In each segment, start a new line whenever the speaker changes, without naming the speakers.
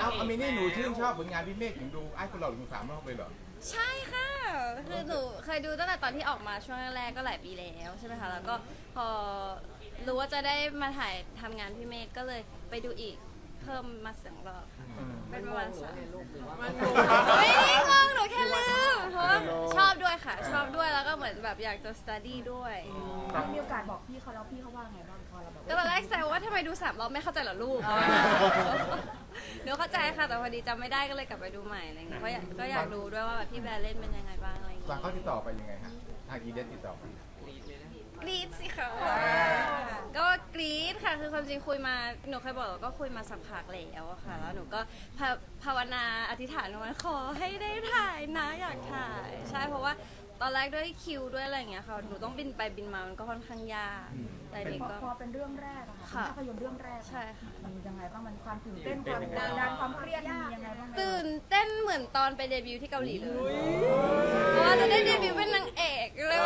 เอามินี่หนูชื่นชอบผลงานพี่เมฆถึงดูไอ้คนหล่อถึง3 รอบเลยเหรอ
ใช่ค่ะคือหนูเคยดูตั้งแต่ตอนที่ออกมาช่วงแรกๆก็หลายปีแล้วใช่ไหมคะแล้วก็พอรู้ว่าจะได้มาถ่ายทำงานพี่เมฆก็เลยไปดูอีกเพิ่มมา2 รอบเป็นประมาณ3ไม่ได้งงหนูแค่ลืมเพราะว่าชอบด้วยค่ะชอบด้วยแล้วก็เหมือนแบบอยากจะ study ด้วย
มีโอกาสบอกพี่เขาแล้วพี่เขาว่าไงบ้างพอเราบอก
ก็ตอนแรกแซวว่าทำไมดู3 รอบไม่เข้าใจเหรอลูกหนูเข้าใจค่ะแต่พอดีจำไม่ได้ก็เลยกลับไปดูใหม่อะไรเงี้ยเพราะก็อยากดูด้วยว่าแบบพี่แบร์เล่นเป็นยังไงบ้างอะไรเงี้ย
วางเขาติดต่อไปยังไงฮะทางอีเดนติดต่อไป
กรี๊ดสิคะก็กรี๊ดค่ะคือความจริงคุยมาหนูเคยบอกว่าก็คุยมาสักพักแล้วอะค่ะแล้วหนูก็ภาวนาอธิษฐานว่าขอให้ได้ถ่ายนะอยากถ่ายใช่เพราะว่าตอนแรกด้วยคิวด้วยอะไรอย่างเงี้ยค่ะหนูต้องบินไปบินมามันก็ค่อนข้างยากแต่นี่ก็
พอเป็นเรื่องแรกอะค่ะภาพยนตร์เรื่องแรก
ใช่ค่ะ
มันยังไงบ้างมันความตื่นเต้นความกดดันความเครียดมียังไงบ้าง
ตื่นเต้นเหมือนตอนไปเดบิวต์ที่เกาหลีเลยเพราะว่าจะได้เดบิวต์เป็นนางเอกเลย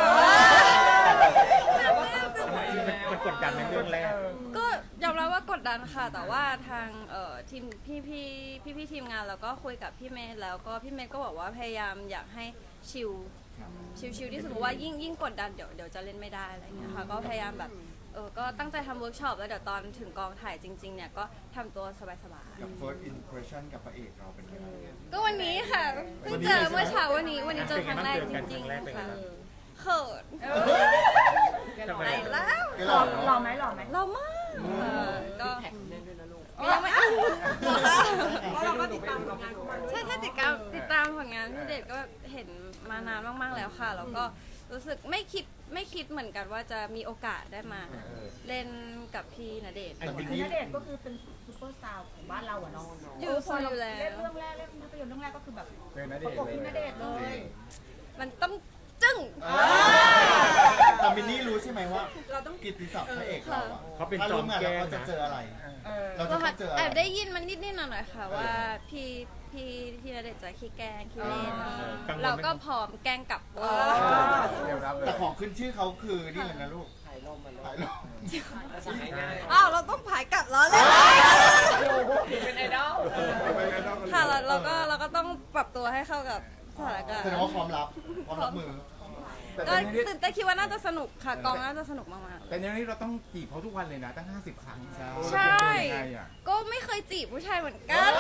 มันกดดันในเรื่องแรก
ก็ยอมรับว่ากดดันค่ะแต่ว่าทางทีมพี่ทีมงานแล้วก็คุยกับพี่เมย์แล้วก็พี่เมย์ก็บอกว่าพยายามอยากให้ชิลที่สมมติว่ายิ่งกดดันเดี๋ยวจะเล่นไม่ได้อะไรเงี้ยค่ะก็พยายามแบบก็ตั้งใจทำเวิร์กช็อปแล้วเดี๋ยวตอนถึงกองถ่ายจริงๆเนี่ยก็ทำตัวสบาย
กับ first impression กับพระเอกเราเป็นยังไง
ๆก็วันนี้ค่ะเพิ่งเจอเมื่อเช้าวันนี้เจอครั้งแรกจริงๆค่ะเขินไหนแล้ว
หล่อไหม
เรามากก็ยังไม่
เราก็ติดตามผลงานของมัน
ใช่ติดตามผลงานพี่เดชก็เห็นมานานมากๆแล้วค่ะแล้วก็รู้สึกไม่คิดเหมือนกันว่าจะมีโอกาสได้มาเล่นกับพี่ณเดชน์
ณเดชน์ก็คือเป็นซูเปอร์สตาร์ของบ้านเราอะเนาะ
อยู่แล้ว
เล่นเรื่องแรกเล่นภาพยนตร์เรื่องแรกก็คือแบบประกบพี่ณเดชน์เลย
มันต้องจึ้ง
แต่มินนี่รู้ใช่ไหมว่าเราต้องกิตติศัพท์พระเอกเราอะ
เขาเป็น
ถ้า
จอ
ร่ว
ม
มงาน
แก้
เรา
ว
จะ
นะ
เจออะไรเราจะต้องเจออะไร
แอบได้ยินมันนิดๆหน่อยๆค่ะว่าพี่ณเดชน์จะขี้แกล้งขี้เล่นเราก็พร้อมแกล้งกลับ
แต่ของขึ้นชื่อเขาคือนี่เลยนะลูกถ่ายลม
อ้าวเราต้องผายกลับแล้วเลย
เป็นไอดอล
ค่ะเราก็ต้องปรับตัวให้เข้ากับสถานการณ์
แสดงว่าพร้อมรับมือ
ก็ตื่นเต้นคิดว่าน่าจะสนุกค่ะกองน่าจะสนุกมากๆ
แต่ในนี้เราต้องจีบเขาทุกวันเลยนะตั้ง50 ครั้ง
ใช่ก็ไม่เคยจีบผู้ชายเหมือนกัน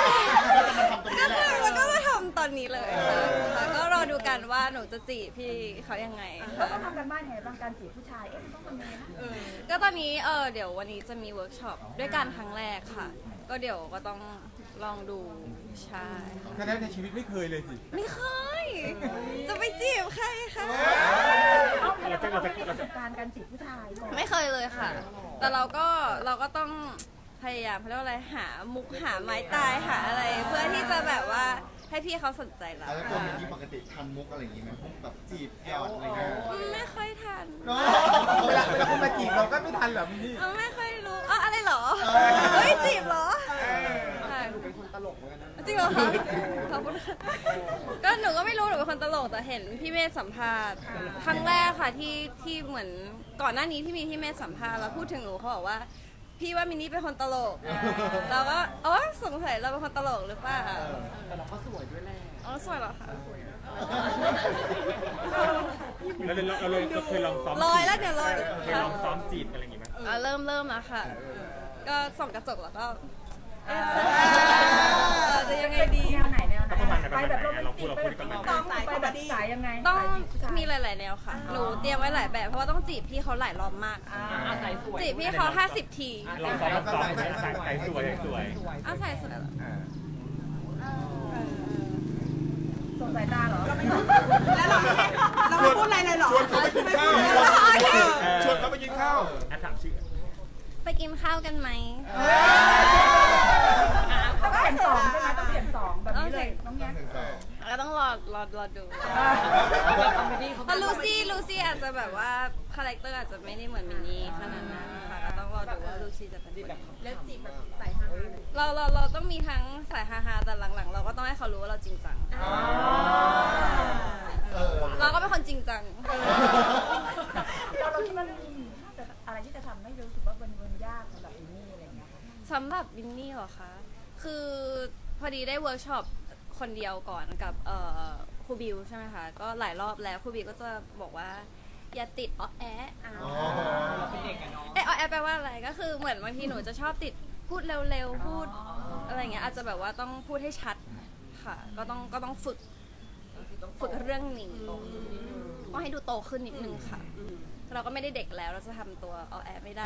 แล้วก็มาทำตอนนี้เลยค่ะก็รอดูกันว่าหนูจะจีบพี่เขายังไง
เราต้องทำกันบ้านยังไงบ้างการจีบผู้ชายมันต้องทำยังไงนะ
ก็ตอนนี้เดี๋ยววันนี้จะมีเวิร์กช็อปด้วยกันครั้งแรกค่ะก็เดี๋ยวก็ต้องลองดูใช่
แค่นั้นในชีวิตไม่เคยเลยสิ
ไม่เคยจะไปจีบใครคะ
เราจะประสบการณ์การจีบผู้ชายก่อน
ไม่เคยเลยค่ะแต่เราก็ต้องพยายามเขาเรียกว่าอะไรหามุกหาไม้ตายหาอะไรเพื่อที่จะแบบว่าให้พี่เขาสนใจเรา
แล้วตัวมินนี่ปกติทันมุกอะไรอย่างงี้ไหมพวกแบบจีบหยอดอะไรเงี้ย
ไม่ค่อยทัน
เวลาคุณมาจีบเราก็ไม่ทันเหรอมินนี่
ไม่ค่อยรู้อะไรเหรอเฮ้ยจีบเหรอ
หนูเป็นคนตลกเหมือนกันนะ
จริงเหรอคะขอบคุณก็หนูก็ไม่รู้หนูเป็นคนตลกแต่เห็นพี่เมธสัมภาษณ์ครั้งแรกค่ะที่เหมือนก่อนหน้านี้ที่มีพี่เมธสัมภาษณ์แล้วพูดถึงหนูเขาบอกว่าพี่ว่ามินนี่เป็นคนตลกเราก็สงสัยเราเป็นคนตลกหรือเปล่า
แต่เราก็สวยด้วยแหละ
สวยเหรอคะ
เราเคยลองซ้อม
ลอยแล้วเดี๋ยวลอย
เคยลองซ้อมจีบอะไรอย่างงี้ไหม
เริ่มแล้วค่ะก็ส่องกระจกแล้วก็จะยังไงดี
แนวไหน
ไปแบบโรแมนติก
ไปแบบสายยังไง
ต้องมีหลายๆแนวค่ะหนูเตรียมไว้หลายแบบเพราะว่าต้องจีบพี่เขาหลายรอบมากจีบพี่เขา50 ที
ลองซ้อมใส่สวย
ใส่สวย
ส่งสายตาเหรอแล้ว
เราไม่พูดอะไรเลยหรอ
ชวนเขาไปกินข้าวชวนเขาไปกินข้าว
ถามชื่อ
ไปกินข้าวกันไหม
ต้องเปลี่ยน2ใช่ไหมต้องเปลี่ยน2แบบนี้เลยน้องแย้ม
ก็ต้องรอดูแต่ลูซี่อาจจะแบบว่าคาแรคเตอร์อาจจะไม่ได้เหมือนมินนี่ขนาดนั้นค่ะก็ต้องรอดูว่าลูซี่จะเป็นแบบ
เล่นจีบแบบใส่ฮา
เราต้องมีทั้งสายฮาๆแต่หลังๆเราก็ต้องให้เขารู้ว่าเราจริงจังเราก็เป็นคนจริงจัง
เราคิดว่าอะไรที่จะทำให้รู้สึกว่ามันยากสำหรับมินนี่อะไรอย่างเงี้ย
สำหรับมินนี่เหรอคะคืออดีได้เวิร์กช็อปคนเดียวก่อนกับครูบิวใช่ไหมคะก็หลายรอบแล้วครูบิวก็จะบอกว่าอย่าติดอ้อแอะอ้อแอะแปลว่าอะไรก็คือเหมือนบางทีหนูจะชอบติดพูดเร็วๆพูดอะไรอย่างเงี้ยอาจจะแบบว่าต้องพูดให้ชัดค่ะก็ต้องฝึกเรื่องนี้ก็ให้ดูโตขึ้นนิดนึงค่ะเราก็ไม่ได้เด็กแล้วเราจะทำตัวอ้อแอะไม่ได้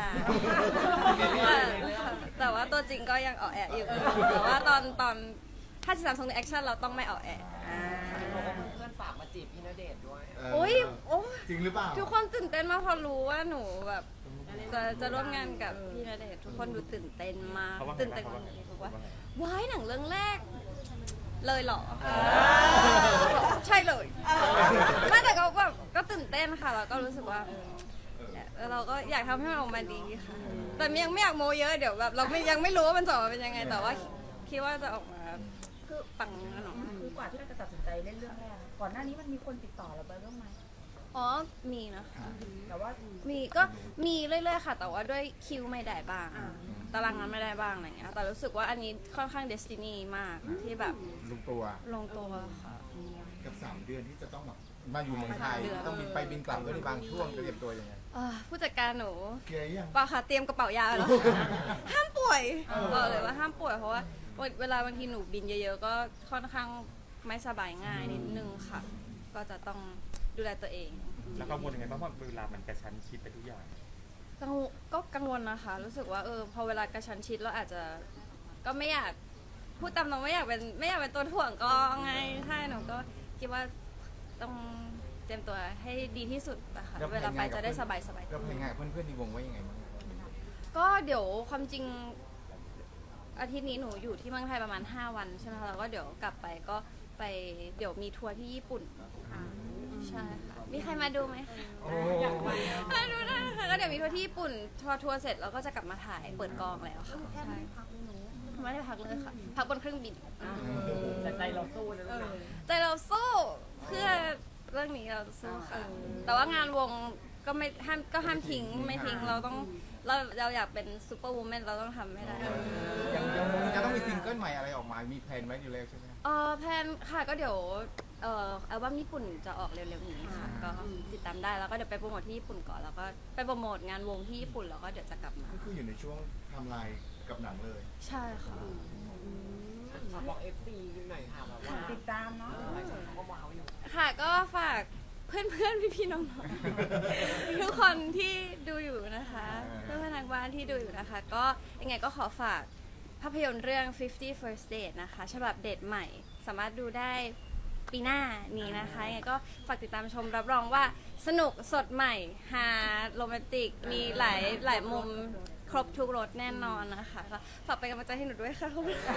แต่ว่าตัวจริงก็ยังอ้อแอะอยู่แต่ว่าตอนถ้าจะทำทรงในแอคชั่นเราต้องไม่อ้อแอะ
เพื่อนฝากมาจีบพี่ณเดชน์ด้วย
โอ้ย
จริงหรือเปล่า
ทุกคนตื่นเต้นมากพอรู้ว่าหนูแบบจะร่วมงานกับพี่ณเดชน์ทุกคนดูตื่นเต้นมาก
เขาว่าไง
ตื่นเต้น
เขาว่าไง
บอกว่าว้ายหนังเรื่องแรก เลยเหรอใช่เลยไม่แต่ก็แบบก็ตื่นเต้นค่ะแล้วก็รู้สึกว่าเราก็อยากทำให้มันออกมาดีค่ะแต่ยังไม่อยากโมเยอะเดี๋ยวแบบเรายังไม่รู้ว่ามันจะออกมาเป็นยังไง แต่ว่าคิดว่าจะออกมาคือปังแน่นอน
คือกว่าที่เราจะตัดสินใจเล่นเรื่องแรกก่อนหน้านี้มันมีคนติดต่อเราไปบ้างไหม
อ๋อมีนะคะ
แต่ว่า
ก็มีเรื่อยๆค่ะ แต่ว่าด้วยคิวไม่ได้บ้างตารางงานไม่ได้บ้างอะไรเงี้ยแต่รู้สึกว่าอันนี้ค่อนข้างเดสตินีมากที่แบบ
ลุงตัว
ลงตัวค่ะ
กับ 3 เดือนที่จะต้องแบบ
มาอยู่เมืองไทยต้องบินไปบินกลับด้วยในบางช่วงจะเตรียมตัวยังไง
ผู้จัดการหนู
เคลียร์ยัง
เปล่าค่ะเตรียมกระเป๋ายาแล้ว ห้ามป่วยบอกเลยว่าห้ามป่วยเพราะว่าเวลาบางทีหนูบินเยอะๆก็ค่อนข้างไม่สบายง่ายนิดนึงค่ะ ก็จะต้องดูแลตัวเอง
แล้วกังวลยังไงบ้างเพราะเวลามันกระชั้นชิดไปทุกอย่าง
ก็กังวลนะคะ รู้สึกว่าพอเวลากระชั้นชิดเราอาจจะก็ไม่อยากพูดตามตรงไม่อยากเป็นตัวถ่วงก็ไงใช่หนูก็คิดว่าต้องเตรียมตัวให้ดีที่สุดนะคะ
แล้ว
เวลาไปจะได้สบาย
เราเพลงงานเพื่อนๆในวงว่ายังไงบ้าง
ก็เดี๋ยวความจริงอาทิตย์นี้หนูอยู่ที่เมืองไทยประมาณ5 วันใช่ไหมคะแล้วก็เดี๋ยวกลับไปก็ไปเดี๋ยวมีทัวร์ที่ญี่ปุ่นใช่ค่ะมีใครมาดูไหมคะ
โอ้
มาดูได้ค่ะก็เดี๋ยวมีทัวร์ที่ญี่ปุ่นทัวร์เสร็จแล้วก็จะกลับมาถ่ายเปิดกองแล้วค่ะใช่ไม่ได้พักเลยค่ะพักบนเครื่องบิน
แต่ใจเราสู้นะ
แต่เราสู้เพื่อเรื่องนี้เราสู้ค่ะแต่ว่างานวงก็ไม่ห้ามทิ้งไม่ทิ้งเราอยากเป็นซูเปอร์วูแมนเราต้องทำให้ได้
ยังจะต้องมีซิงเกิลใหม่อะไรออกมา มีแพลนไว้อยู่แล้วใช่ไหม
แพลนค่ะก็เดี๋ยวอัลบั้มญี่ปุ่นจะออกเร็วๆนี้ค่ะก็ติดตามได้แล้วก็เดี๋ยวไปโปรโมทที่ญี่ปุ่นก่อนแล้วก็ไปโปรโมทงานวงที่ญี่ปุ่นแล้วก็เดี๋ยวจะกลับมา
ก็คืออยู่ในช่วงทำลายกับหนังเลย
ใช่ค่ะ
ฝากบอก FC หน่อยค่ะแบบว่า
ติดตามเนาะ
หลายคนเขาก็ว้าวอยู่
ค่ะก็ฝากเพื่อนๆพี่ๆน้องๆทุกคนที่ดูอยู่นะคะเพื่อนๆทางบ้านที่ดูอยู่นะคะ ก็ยังไงก็ขอฝากภาพยนตร์เรื่อง 50 First Date นะคะฉบับเดทใหม่สามารถดูได้ปีหน้านี้นะคะยังไงก็ฝากติดตามชมรับรองว่าสนุกสดใหม่ฮาโรแมนติกมีหลายมุมครบทุกรสแน่นอนนะคะก็ฝากเป็นกำลังใจให้หนูด้วยค่ะ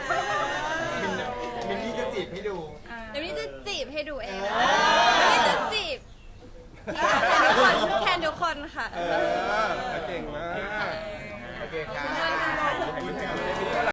มินนี่จะจีบให้ดู
เดี๋ยวนี้จะจีบให้ดูเองนะคะเดี๋ยวนี้จะจีบแทนทุกคนค่ะ
เก่งมาก โอเคครับ